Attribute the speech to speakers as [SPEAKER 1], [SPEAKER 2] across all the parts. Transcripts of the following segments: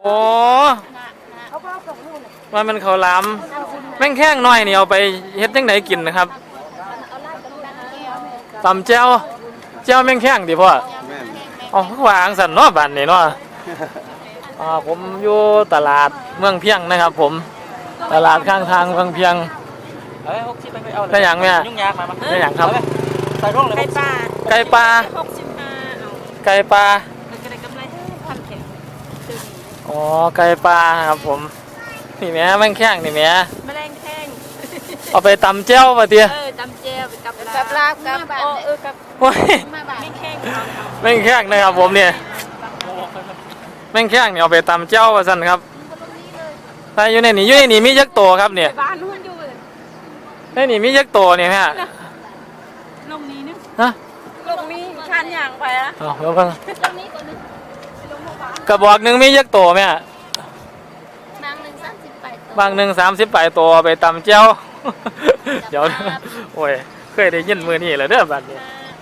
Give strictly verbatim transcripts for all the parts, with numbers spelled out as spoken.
[SPEAKER 1] โอ้ว่ามันเขาล้ำแม่งแข้งน้อยนี่เอาไปเฮ็ดจังไหนกินนะครับตำแจ่วแจ่วแม่งแข้งดิพ่ออ๋อวางสันเนาะบ้านนี่เนาะอ่าผมอยู่ตลาดเมืองเพียงนะครับผมตลาดข้างทางเมืองเพียงได้อย่างเนี่ยได้อย่างครับ
[SPEAKER 2] ไก่ปลา
[SPEAKER 1] ไก่ปลา
[SPEAKER 2] หกสิบห้าเอา
[SPEAKER 1] ไก่ปลา
[SPEAKER 2] ก็ได้กำไรพันแข็ง
[SPEAKER 1] อ๋อไก่ปลาครับผมนี่แม่แม่งแข้งนี่แม่
[SPEAKER 2] แมลงแข้ง
[SPEAKER 1] เอาไปตำแจ่วมาเตี้ย
[SPEAKER 2] เออตำเจียวกับกับลาบกับเออกับ
[SPEAKER 1] โอ้ย
[SPEAKER 2] แม่งแข้ง
[SPEAKER 1] แม่งแข้งนะครับผมเนี่ยแม่งแข้งเนี่ยเอาไปตำแจ่วมาสั่นครับใช่อยู่ในนี่อยู่ในนี่มียักษ์โตครับเนี่ย
[SPEAKER 2] บ้านนู้นอยู่
[SPEAKER 1] ในนี่มียักษ์โตเนี่ยแม่
[SPEAKER 2] ลงนี้นึง
[SPEAKER 1] ฮะ
[SPEAKER 2] ลงนี้ชันอย่างไปอะ
[SPEAKER 1] อ๋อแล้วกันกระบอกหนึ่งมียักษ์โตแม่
[SPEAKER 2] บางหนึ่งสามสิบแปด
[SPEAKER 1] บางหนึ่งสามสิบแปดตัวไปตำแจ่วเดี๋ยวโอ้ยเคยได้ยินมือนี่เลยเด้อบัดนี้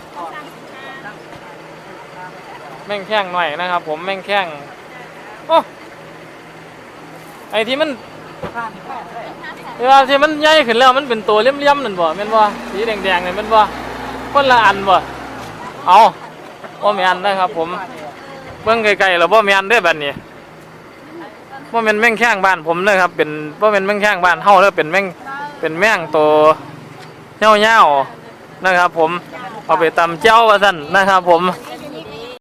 [SPEAKER 1] แม่งแข้งหน่อยนะครับผมแม่งแข้งโอ้ไอที่มันเวลาที่มันใหญ่ขึ้นแล้วมันเป็นตัวเลี่ยมๆนั่นบ่แม่นบ่สีแดงๆนี่แม่นบ่คนละอันบ่เอาบ่แม่นนะครับผมเบิ่งไกลๆแล้วบ่แม่นเด้อบัดนี้บ่แม่นแม่งแข้งบ้านผมเด้อครับเป็นบ่แม่นแม่งแข้งบ้านเฮาเด้อเป็นแม่งเป็นแม่งตัวเหี่ยวๆนะครับผมเอาไปตำเจ้าว่าซั่นนะครับผม